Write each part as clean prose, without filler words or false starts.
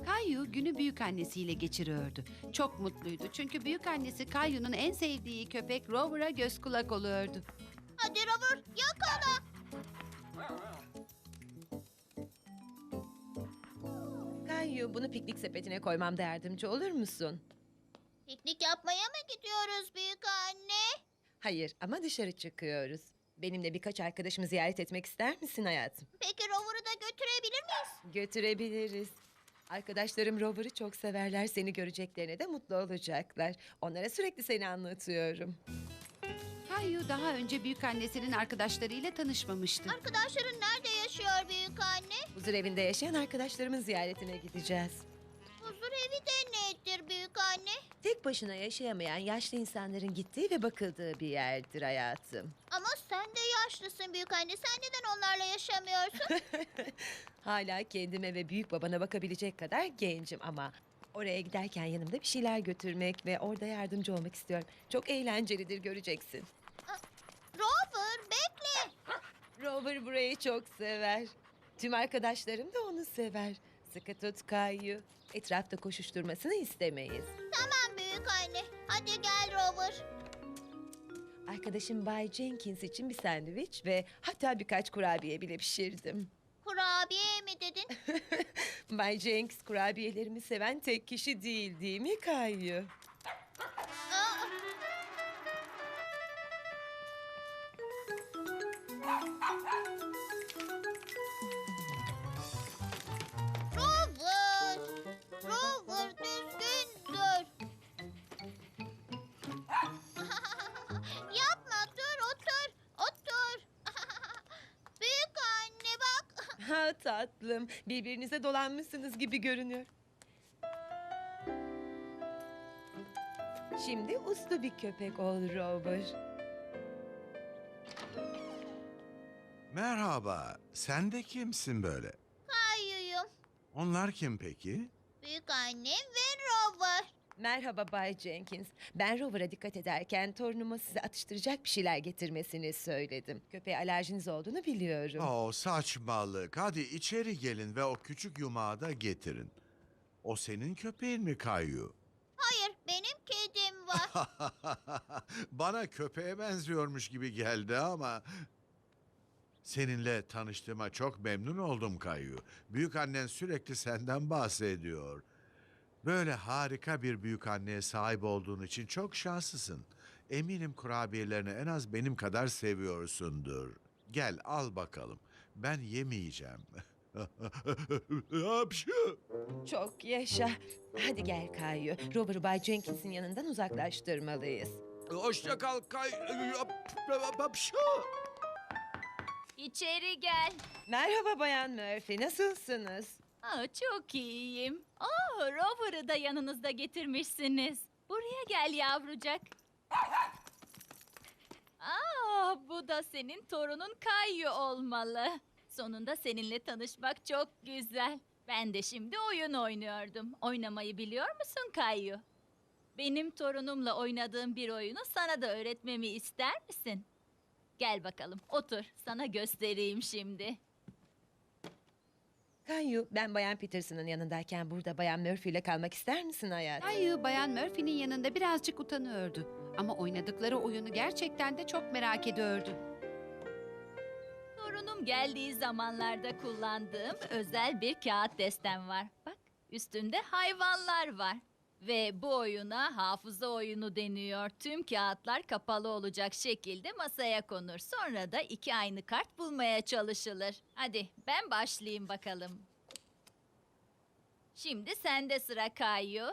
Kayu günü büyükannesiyle geçiriyordu. Çok mutluydu çünkü büyükannesi Kayu'nun en sevdiği köpek Rover'a göz kulak oluyordu. Hadi Robert, yakala. Kayu, bunu piknik sepetine koymamda yardımcı olur musun? Piknik yapmaya mı gidiyoruz büyük anne? Hayır ama dışarı çıkıyoruz. Benimle birkaç arkadaşımı ziyaret etmek ister misin hayatım? Peki Rover'ı da götürebilir miyiz? Götürebiliriz. Arkadaşlarım Rover'ı çok severler. Seni göreceklerine de mutlu olacaklar. Onlara sürekli seni anlatıyorum. Kayu daha önce büyükannesinin arkadaşlarıyla tanışmamıştı. Arkadaşların nerede yaşıyor büyük anne? Huzur evinde yaşayan arkadaşlarımın ziyaretine gideceğiz. Huzur evi de nedir büyük anne? Tek başına yaşayamayan yaşlı insanların gittiği ve bakıldığı bir yerdir hayatım. Ama sen de yaşlısın büyük anne. Sen neden onlarla yaşamıyorsun? Hala kendime ve büyük babana bakabilecek kadar gencim ama oraya giderken yanımda bir şeyler götürmek ve orada yardımcı olmak istiyorum. Çok eğlencelidir, göreceksin. Rover bekle. Rover burayı çok sever. Tüm arkadaşlarım da onu sever. Sıkı tut Kayu. Etrafta koşuşturmasını istemeyiz. Tamam büyük anne. Hadi gel Rover. Arkadaşım Bay Jenkins için bir sandviç ve hatta birkaç kurabiye bile pişirdim. Kurabiye mi dedin? Bay Jenkins kurabiyelerimi seven tek kişi değil mi Kayu? Aa! Rover! Rover düzgün dur. Yapma dur otur. Otur. Büyük anne bak. Ha tatlım, birbirinize dolanmışsınız gibi görünüyor. Şimdi uslu bir köpek ol Rover. Merhaba, sen de kimsin böyle? Kayuyum. Onlar kim peki? Büyük annem ve Rover. Merhaba Bay Jenkins. Ben Rover'a dikkat ederken torunuma size atıştıracak bir şeyler getirmesini söyledim. Köpeğe alerjiniz olduğunu biliyorum. Saçmalık. Hadi içeri gelin ve o küçük yumağı da getirin. O senin köpeğin mi Kayu? Hayır benim kedim var. Bana köpeğe benziyormuş gibi geldi ama... Seninle tanıştığıma çok memnun oldum Kayu. Büyükannen sürekli senden bahsediyor. Böyle harika bir büyükanneye sahip olduğun için çok şanslısın. Eminim kurabiyelerini en az benim kadar seviyorsundur. Gel al bakalım. Ben yemeyeceğim. Hapşu! Çok yaşa. Hadi gel Kayu. Rover'ı Bay Jenkins'in yanından uzaklaştırmalıyız. Hoşça kal Kay... Hapşu! İçeri gel. Merhaba Bayan Murphy, nasılsınız? Çok iyiyim. Rover'ı da yanınızda getirmişsiniz. Buraya gel yavrucak. Bu da senin torunun Kayu olmalı. Sonunda seninle tanışmak çok güzel. Ben de şimdi oyun oynuyordum. Oynamayı biliyor musun Kayu? Benim torunumla oynadığım bir oyunu sana da öğretmemi ister misin? Gel bakalım, otur. Sana göstereyim şimdi. Kayu, ben Bayan Peterson'ın yanındayken burada Bayan Murphy ile kalmak ister misin hayatım? Kayu Bayan Murphy'nin yanında birazcık utanıyordu. Ama oynadıkları oyunu gerçekten de çok merak ediyordu. Torunum geldiği zamanlarda kullandığım özel bir kağıt destem var. Bak, üstünde hayvanlar var. Ve bu oyuna hafıza oyunu deniyor. Tüm kağıtlar kapalı olacak şekilde masaya konur. Sonra da iki aynı kart bulmaya çalışılır. Hadi ben başlayayım bakalım. Şimdi sende sıra Kayu.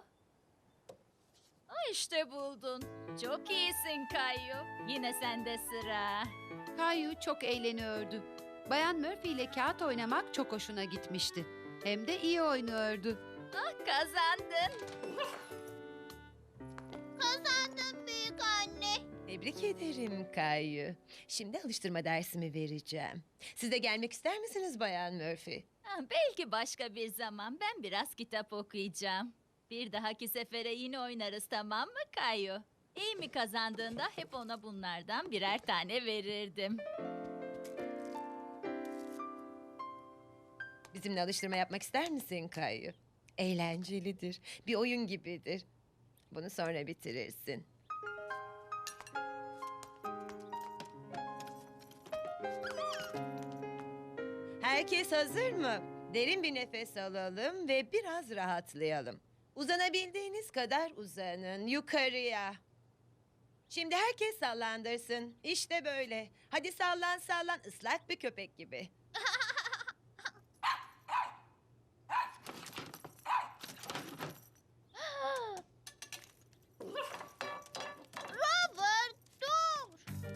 İşte buldun. Çok iyisin Kayu. Yine sende sıra. Kayu çok eğleniyordu. Bayan Murphy ile kağıt oynamak çok hoşuna gitmişti. Hem de iyi oynuyordu. Kazandın. Kazandım büyük anne. Tebrik ederim Kayu. Şimdi alıştırma dersimi vereceğim. Siz de gelmek ister misiniz Bayan Murphy? Belki başka bir zaman ben biraz kitap okuyacağım. Bir dahaki sefere yine oynarız, tamam mı Kayu? İyi mi kazandığında hep ona bunlardan birer tane verirdim. Bizimle alıştırma yapmak ister misin Kayu? Eğlencelidir. Bir oyun gibidir. Bunu sonra bitirirsin. Herkes hazır mı? Derin bir nefes alalım ve biraz rahatlayalım. Uzanabildiğiniz kadar uzanın yukarıya. Şimdi herkes sallandırsın. İşte böyle. Hadi sallan sallan, ıslak bir köpek gibi. Robert dur.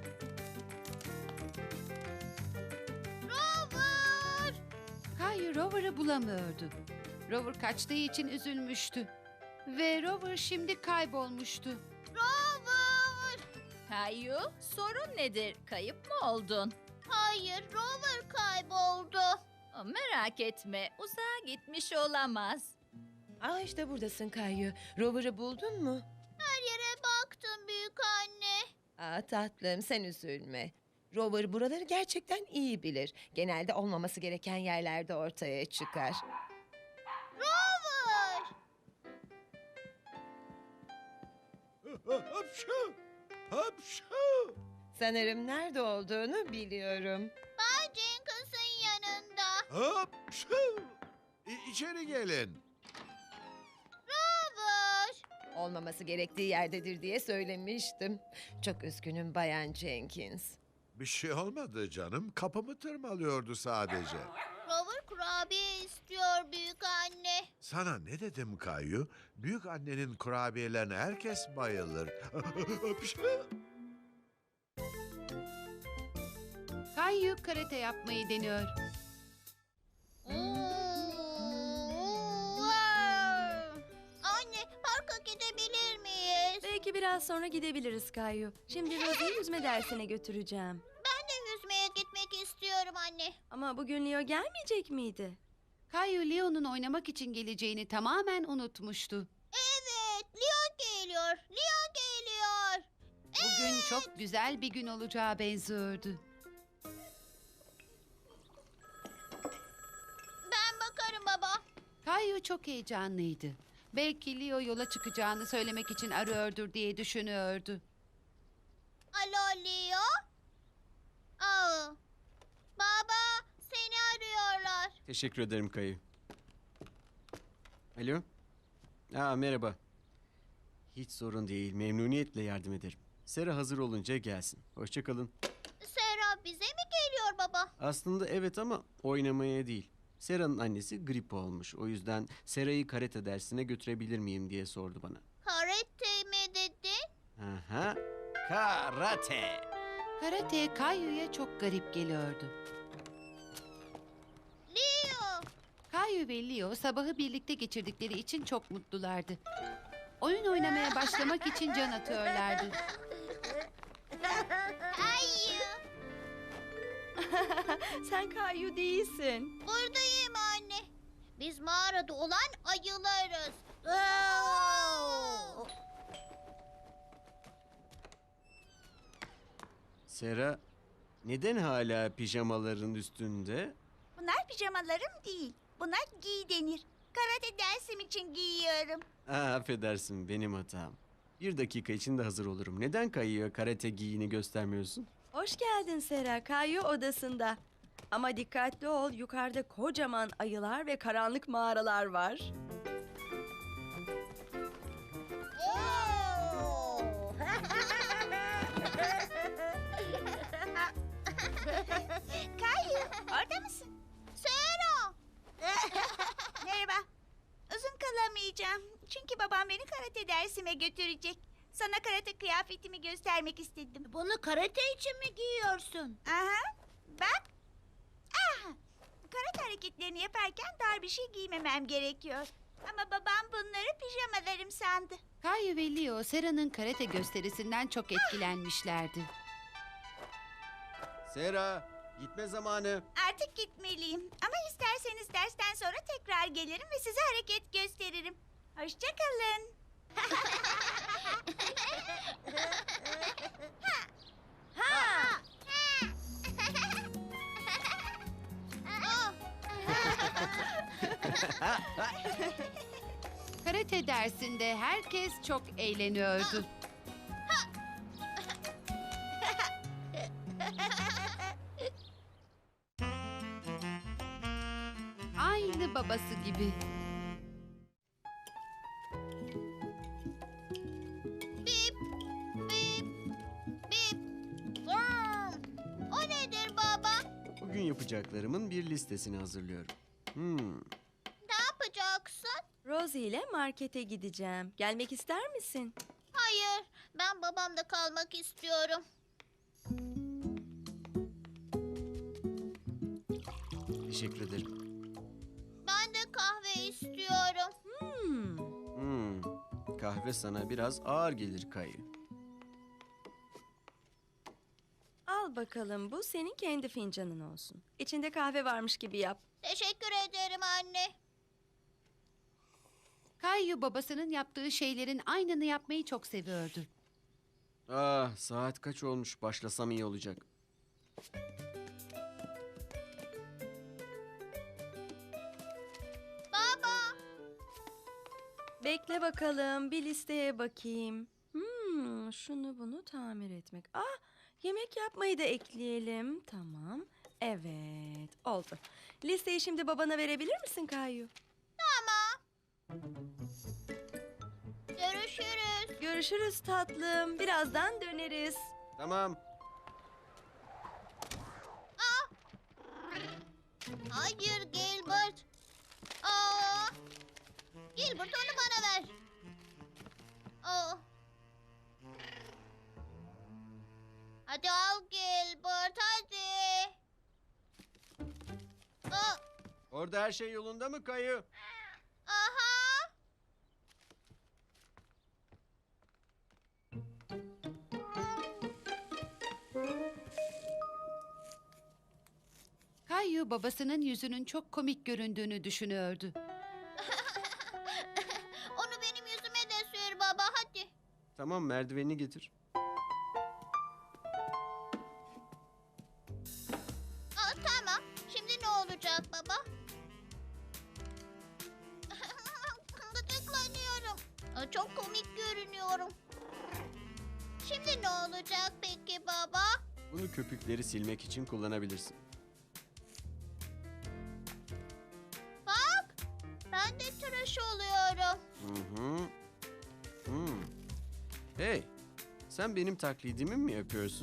Robert. Kayu Rover'ı bulamıyordu. Rover kaçtığı için üzülmüştü. Ve Rover şimdi kaybolmuştu. Robert. Kayu, sorun nedir? Kayıp mı oldun? Hayır, Rover kayboldu. Merak etme, uzağa gitmiş olamaz. Aa, işte buradasın Kayu. Rover'ı buldun mu? Her yere baktım büyük anne. Aa, tatlım, sen üzülme. Rover buraları gerçekten iyi bilir. Genelde olmaması gereken yerlerde ortaya çıkar. Rover. Hapşu! Hapşu! Sanırım nerede olduğunu biliyorum. Bay Jenkins'ın yanında. Hapşu! İçeri gelin. Rover. Olmaması gerektiği yerdedir diye söylemiştim. Çok üzgünüm Bayan Jenkins. Bir şey olmadı canım. Kapımı tırmalıyordu sadece. Rover kurabiye istiyor büyük anne. Sana ne dedim Kayu? Büyük annenin kurabiyelerine herkes bayılır. Hapşu! Kayu karate yapmayı deniyor. Anne, parka gidebilir miyiz? Belki biraz sonra gidebiliriz Kayu. Şimdi Rosie'yi yüzme dersine götüreceğim. Ben de yüzmeye gitmek istiyorum anne. Ama bugün Leo gelmeyecek miydi? Kayu Leo'nun oynamak için geleceğini tamamen unutmuştu. Evet, Leo geliyor. Leo geliyor. Bugün çok güzel bir gün olacağı benziyordu. Ben bakarım baba. Kayu çok heyecanlıydı. Belki Leo yola çıkacağını söylemek için arıyordur diye düşünüyordu. Alo Leo. Aa, baba, seni arıyorlar. Teşekkür ederim Kayı. Alo? Merhaba. Hiç sorun değil. Memnuniyetle yardım ederim. Sera hazır olunca gelsin. Hoşça kalın. Serap bize mi geliyor baba? Aslında evet ama oynamaya değil. Sera'nın annesi grip olmuş. O yüzden Sera'yı karate dersine götürebilir miyim diye sordu bana. Karate mi dedin? Aha. Karate. Karate Kayu'ya çok garip geliyordu. Leo. Kayu ve Leo sabahı birlikte geçirdikleri için çok mutlulardı. Oyun oynamaya başlamak için can atıyorlardı. Hayır. Sen Kayu değilsin. Buradayım anne. Biz mağarada olan ayılarız. Sera, neden hala pijamaların üstünde? Bunlar pijamalarım değil. Bunlar giy denir. Karate dersim için giyiyorum. Affedersin, benim hatam. Bir dakika içinde hazır olurum. Neden Kayı'ya karate giyini göstermiyorsun? Hoş geldin Sera. Kayu odasında. Ama dikkatli ol. Yukarıda kocaman ayılar ve karanlık mağaralar var. Kayu, orada mısın? Sera. Merhaba. Uzun kalamayacağım. Çünkü babam beni karate dersime götürecek. Sana karate kıyafetimi göstermek istedim. Bunu karate için mi giyiyorsun? Aha, bak. Aha. Karate hareketlerini yaparken dar bir şey giymemem gerekiyor. Ama babam bunları pijamalarım sandı. Kayu ve Leo Sera'nın karate gösterisinden çok etkilenmişlerdi. Sera, gitme zamanı. Artık gitmeliyim. Ama isterseniz dersten sonra tekrar gelirim ve size hareket gösteririm. Hoşça kalın. Ah. Karate dersinde herkes çok eğleniyordu. Aynı babası gibi. Bip, bip, bip. Vrum. O nedir baba? Bugün yapacaklarımın bir listesini hazırlıyorum. Ne yapacaksın? Rosie ile markete gideceğim. Gelmek ister misin? Hayır, ben babamda kalmak istiyorum. Teşekkür ederim. Ben de kahve istiyorum. Kahve sana biraz ağır gelir Kayı. Al bakalım, bu senin kendi fincanın olsun. İçinde kahve varmış gibi yap. Teşekkür ederim anne. Kayu babasının yaptığı şeylerin aynını yapmayı çok seviyordu. Saat kaç olmuş? Başlasam iyi olacak. Baba, Bekle bakalım, bir listeye bakayım. Şunu bunu tamir etmek. Yemek yapmayı da ekleyelim. Tamam. Evet, oldu. Listeyi şimdi babana verebilir misin Kayu? görüşürüz. Görüşürüz tatlım. Birazdan döneriz. Tamam. Hayır Gilbert. Aa, Gilbert onu bana ver. Aa. Hadi al Gilbert hadi. Aa, Orada her şey yolunda mı Kayı? aha. Kayu babasının yüzünün çok komik göründüğünü düşünüyordu. Onu benim yüzüme de sür baba hadi. Tamam, merdivenini getir. Tamam. Şimdi ne olacak baba? Gıdıklanıyorum. Çok komik görünüyorum. Şimdi ne olacak peki baba? Bunu köpükleri silmek için kullanabilirsin. Bak, ben de tıraş oluyorum. Hey, sen benim taklidimi mi yapıyorsun?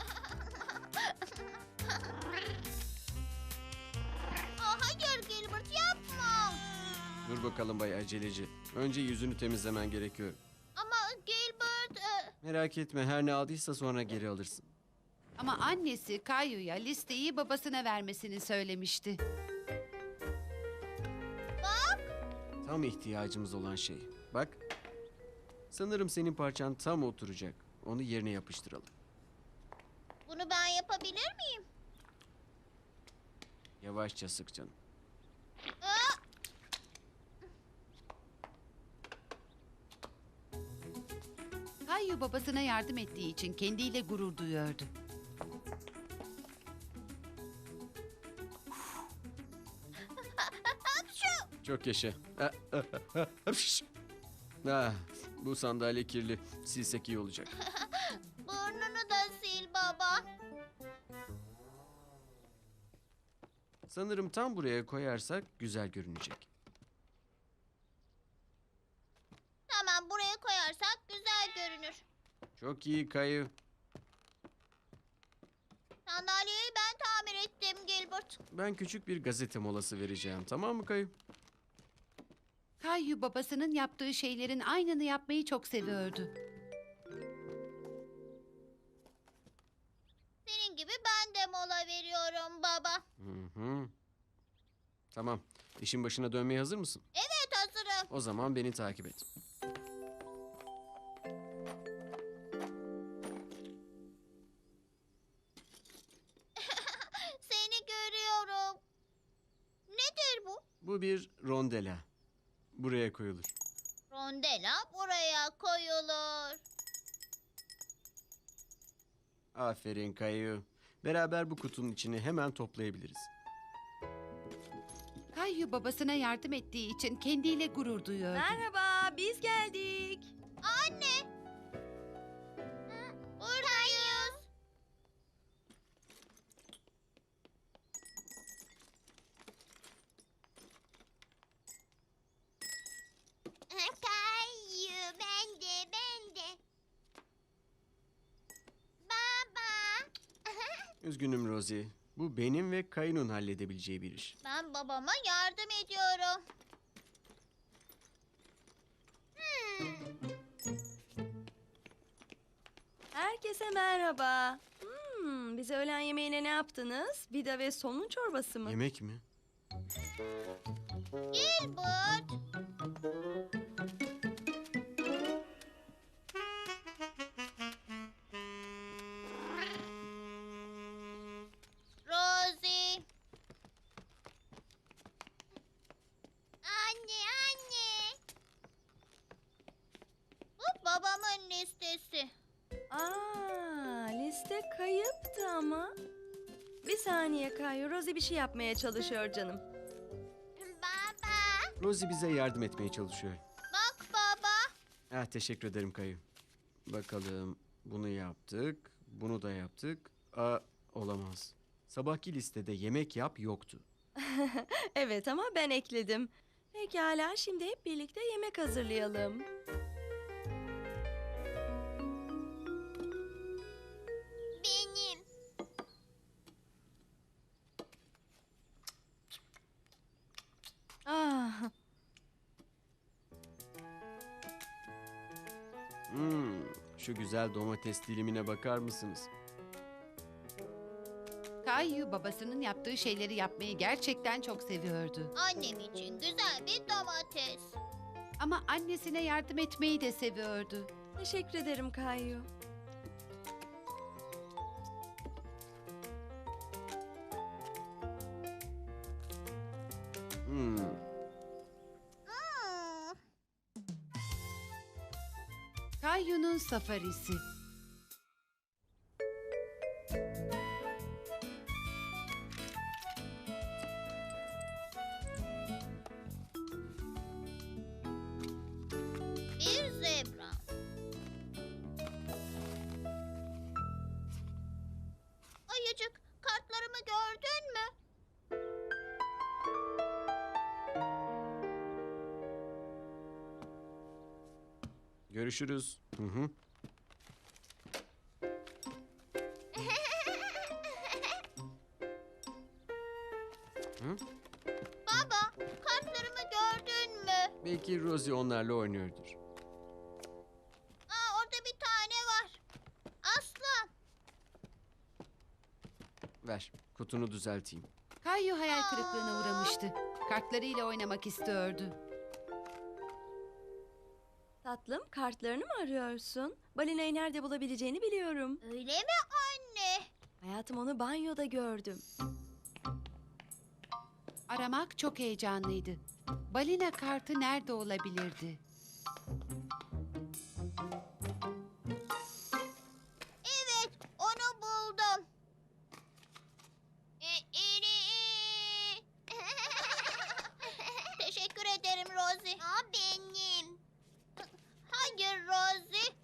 Hayır Gilbert yapma. Dur bakalım bay aceleci. Önce yüzünü temizlemen gerekiyor. Ama Gilbert... Merak etme, her ne aldıysa sonra geri alırsın. Ama annesi Kayu'ya listeyi babasına vermesini söylemişti. Tam ihtiyacımız olan şey. Bak, sanırım senin parçan tam oturacak. Onu yerine yapıştıralım. Bunu ben yapabilir miyim? Yavaşça sık canım. Aa, Kayu babasına yardım ettiği için kendiyle gurur duyuyordu. Çok yaşa. Bu sandalye kirli. Silsek iyi olacak. burnunu da sil baba. Sanırım tam buraya koyarsak güzel görünecek. Tamam buraya koyarsak güzel görünür. Çok iyi Kayı. Sandalyeyi ben tamir ettim Gilbert. Ben küçük bir gazete molası vereceğim. Tamam mı Kayı? Kayu babasının yaptığı şeylerin aynını yapmayı çok seviyordu. Senin gibi ben de mola veriyorum baba. Hı. Tamam. İşin başına dönmeye hazır mısın? Evet hazırım. O zaman beni takip et. Seni görüyorum. Nedir bu? Bu bir rondela. Buraya koyulur. Rondela buraya koyulur. Aferin Kayı. Beraber bu kutunun içini hemen toplayabiliriz. Kayu babasına yardım ettiği için kendiyle gurur duyuyordu. Merhaba, biz geldik. Anne. Buradayız. Kayu, ben de. Baba. Üzgünüm Rosie. Bu benim ve Kayu'nun halledebileceği bir iş. Ben babama yardım ediyorum. Herkese merhaba. Bize öğlen yemeğine ne yaptınız? Vida ve somun çorbası mı? Yemek mi? Gilbert. Rosie. Anne. Bu babamın listesi. Liste kayıptı ama. Bir saniye Kayu, Rosie bir şey yapmaya çalışıyor canım. Baba. Rosie bize yardım etmeye çalışıyor. Bak baba. Teşekkür ederim Kayu. Bakalım, bunu yaptık, bunu da yaptık. Olamaz. Sabahki listede yemek yap yoktu. Evet ama ben ekledim. Pekala, şimdi hep birlikte yemek hazırlayalım. Benim. Ah, Şu güzel domates dilimine bakar mısınız? Kayu babasının yaptığı şeyleri yapmayı gerçekten çok seviyordu. Annem için güzel bir domates. Ama annesine yardım etmeyi de seviyordu. teşekkür ederim Kayu. Hmm, Hmm. Kayu'nun safarisi. Bir zebra. Ayıcık, kartlarımı gördün mü? görüşürüz. Hı hı. Hı? Baba, kartlarımı gördün mü? Belki Rosie onlarla oynuyordur. Orada bir tane var. Aslan. Ver, kutunu düzelteyim. Kayu hayal kırıklığına uğramıştı. Kartlarıyla oynamak istiyordu. Tatlım, kartlarını mı arıyorsun? Balinayı nerede bulabileceğini biliyorum. Öyle mi anne? Hayatım, onu banyoda gördüm. Aramak çok heyecanlıydı. Balina kartı nerede olabilirdi? Evet, onu buldum. Teşekkür ederim Rosie. Benim. Hayır Rosie.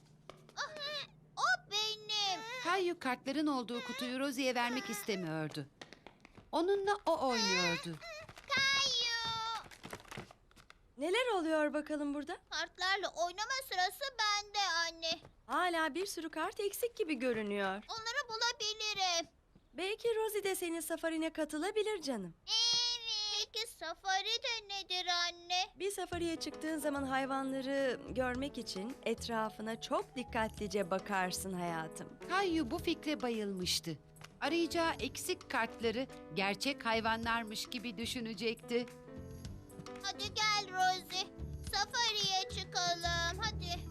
O benim. Kayu kartların olduğu kutuyu Rosie'ye vermek istemiyordu. Onunla o oynuyordu. Kayu. Neler oluyor bakalım burada? Kartlarla oynama sırası bende anne. Hala bir sürü kart eksik gibi görünüyor. Onları bulabilirim. Belki Rosie de senin safarine katılabilir canım. Evet. Peki safari de nedir anne? Bir safariye çıktığın zaman hayvanları görmek için etrafına çok dikkatlice bakarsın hayatım. Kayu bu fikre bayılmıştı. Arayacağı eksik kartları gerçek hayvanlarmış gibi düşünecekti. Hadi gel Rosie. Safariye çıkalım. Hadi.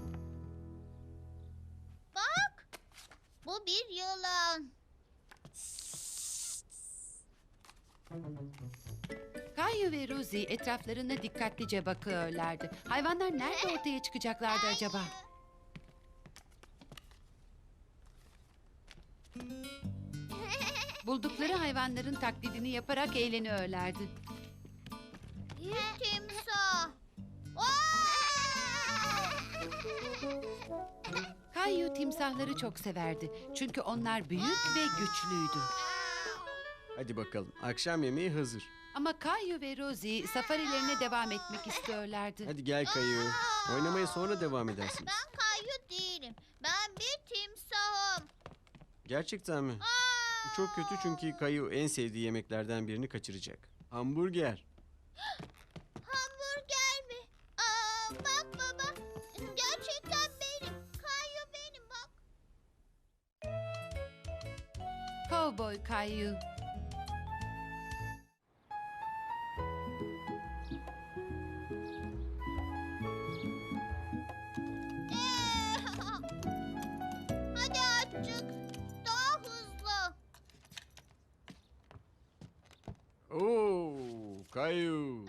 Bak. Bu bir yılan. Kayu ve Rosie etraflarına dikkatlice bakıyorlardı. Hayvanlar nerede ortaya çıkacaklardı acaba? Buldukları hayvanların taklidini yaparak eğleniyorlardı. Bir timsah. Kayu timsahları çok severdi. Çünkü onlar büyük ve güçlüydü. Hadi bakalım, akşam yemeği hazır. Ama Kayu ve Rosie safarilerine devam etmek istiyorlardı. Hadi gel Kayu. Oynamaya sonra devam edersiniz. Ben Kayu değilim. Ben bir timsahım. Gerçekten mi? Bu çok kötü çünkü Kayu en sevdiği yemeklerden birini kaçıracak. Hamburger. Hamburger mi? Bak baba. Gerçekten benim. Kayu benim bak. Cowboy Kayu. Hadi azıcık. Daha hızlı. Oo, Kayu.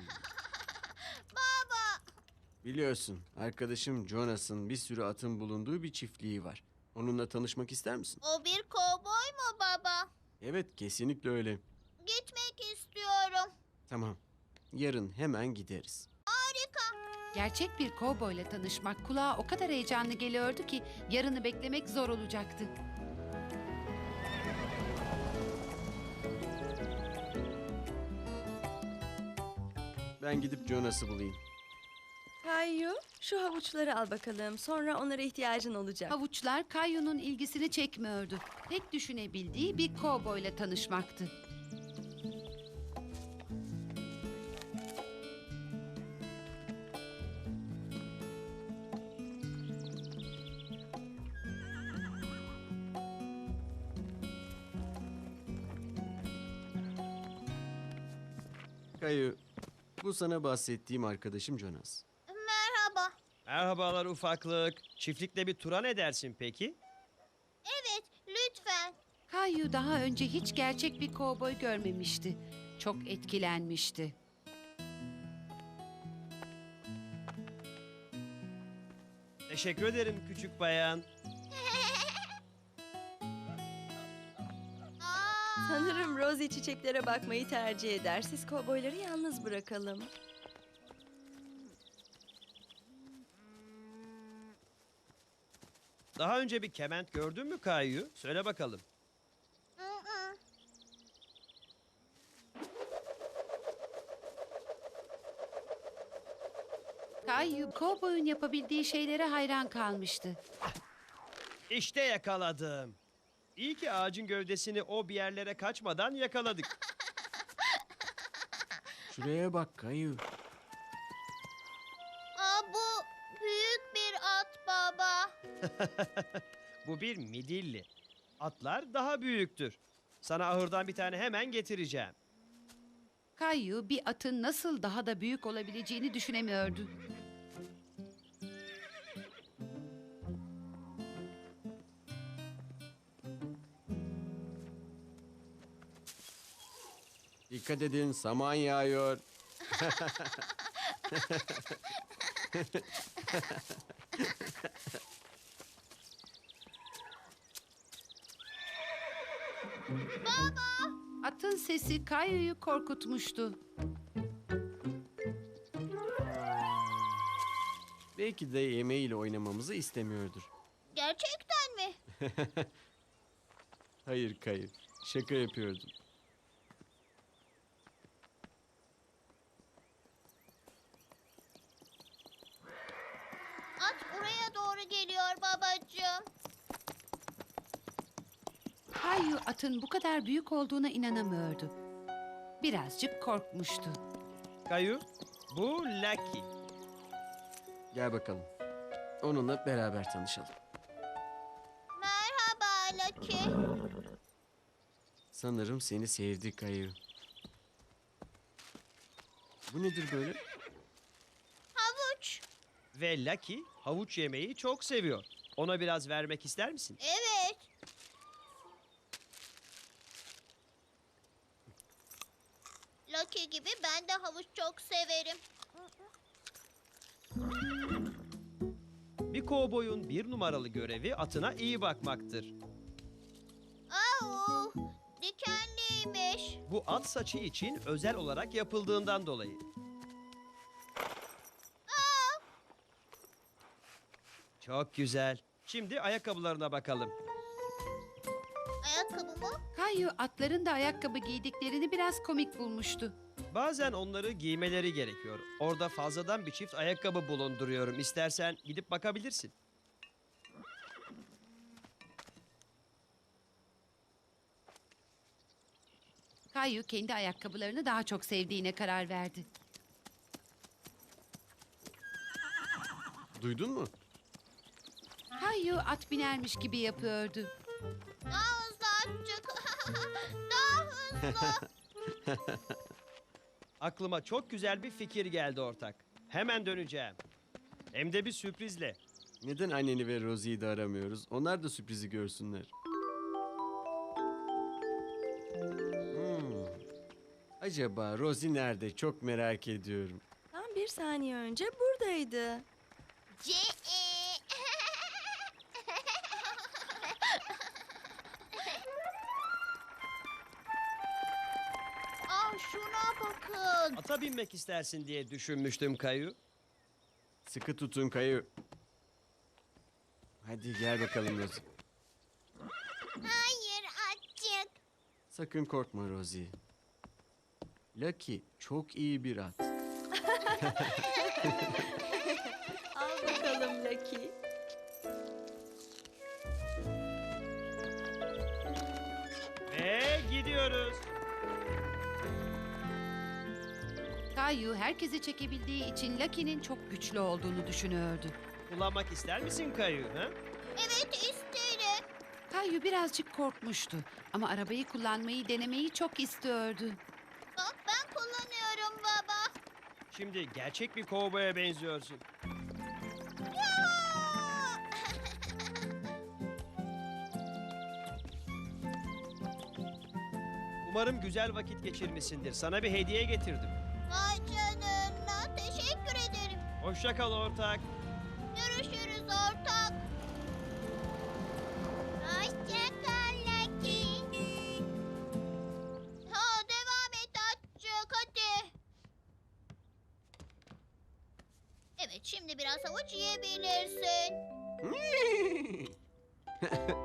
Baba. Biliyorsun, arkadaşım Jonas'ın bir sürü atın bulunduğu bir çiftliği var. Onunla tanışmak ister misin? O bir kovboy mu baba? Evet, kesinlikle öyle. Gitmek istiyorum. Tamam. Yarın hemen gideriz. Harika. Gerçek bir kovboyla tanışmak kulağa o kadar heyecanlı geliyordu ki yarını beklemek zor olacaktı. Ben gidip Jonas'ı bulayım. Kayu, şu havuçları al bakalım. Sonra onlara ihtiyacın olacak. Havuçlar Kayu'nun ilgisini çekmiyordu. Tek düşünebildiği bir kovboyla tanışmaktı. Kayu, bu sana bahsettiğim arkadaşım Jonas. Merhaba. Merhabalar ufaklık. Çiftlikte bir tura ne dersin peki? Evet, lütfen. Kayu daha önce hiç gerçek bir kovboy görmemişti. Çok etkilenmişti. Teşekkür ederim küçük bayan. Sanırım Rosie çiçeklere bakmayı tercih eder. Siz kovboyları yalnız bırakalım. Daha önce bir kement gördün mü Kayu? Söyle bakalım. Kayu, kovboyun yapabildiği şeylere hayran kalmıştı. İşte yakaladım. İyi ki ağacın gövdesini o bir yerlere kaçmadan yakaladık. Şuraya bak Kayu. Bu büyük bir at baba. Bu bir midilli. Atlar daha büyüktür. Sana ahırdan bir tane hemen getireceğim. Kayu bir atın nasıl daha da büyük olabileceğini düşünemiyordu. Dikkat edin, saman yağıyor. Atın sesi Kayu'yu korkutmuştu. Belki de yemeğiyle oynamamızı istemiyordur. Gerçekten mi? Hayır Kayu, şaka yapıyordum. At buraya doğru geliyor babacığım. Kayu atın bu kadar büyük olduğuna inanamıyordu. Birazcık korkmuştu. Kayu, bu Lucky. Gel bakalım. Onunla beraber tanışalım. Merhaba Lucky. Sanırım seni sevdi Kayu. Bu nedir böyle? Havuç. Ve Lucky havuç yemeyi çok seviyor. Ona biraz vermek ister misin? Evet. Lucky gibi ben de havuç çok severim. Bir kovboyun bir numaralı görevi atına iyi bakmaktır. Au, dikenliymiş. Bu at saçı için özel olarak yapıldığından dolayı. Çok güzel. Şimdi ayakkabılarına bakalım. Ayakkabı mı? Kayu atların da ayakkabı giydiklerini biraz komik bulmuştu. Bazen onları giymeleri gerekiyor. Orada fazladan bir çift ayakkabı bulunduruyorum. İstersen gidip bakabilirsin. Kayu kendi ayakkabılarını daha çok sevdiğine karar verdi. Duydun mu? Kayu at binermiş gibi yapıyordu. Daha hızlı azıcık. Daha hızlı. Aklıma çok güzel bir fikir geldi ortak. Hemen döneceğim. Hem de bir sürprizle. Neden anneni ve Rosie'yi de aramıyoruz? Onlar da sürprizi görsünler. Acaba Rosie nerede? Çok merak ediyorum. Tam bir saniye önce buradaydı. C. Aa, şuna bakın. Ata binmek istersin diye düşünmüştüm Kayu. Sıkı tutun Kayu. Hadi gel bakalım Rosie. Hayır açık. Sakın korkma Rosie. Lucky çok iyi bir at. Al bakalım Lucky. Ve gidiyoruz. Kayu herkesi çekebildiği için Lucky'nin çok güçlü olduğunu düşünüyordu. Kullanmak ister misin Kayu? Ha? Evet isterim. Kayu birazcık korkmuştu ama arabayı kullanmayı denemeyi çok istiyordu. Bak ben kullanıyorum baba. Şimdi gerçek bir kovboya benziyorsun. Ya! Umarım güzel vakit geçirmişsindir. Sana bir hediye getirdim. Vay canına. Teşekkür ederim. Hoşça kal ortak. Görüşürüz ortak. Hoşça kal Lucky. Ha, devam et açık hadi. Evet şimdi biraz havuç yiyebilirsin.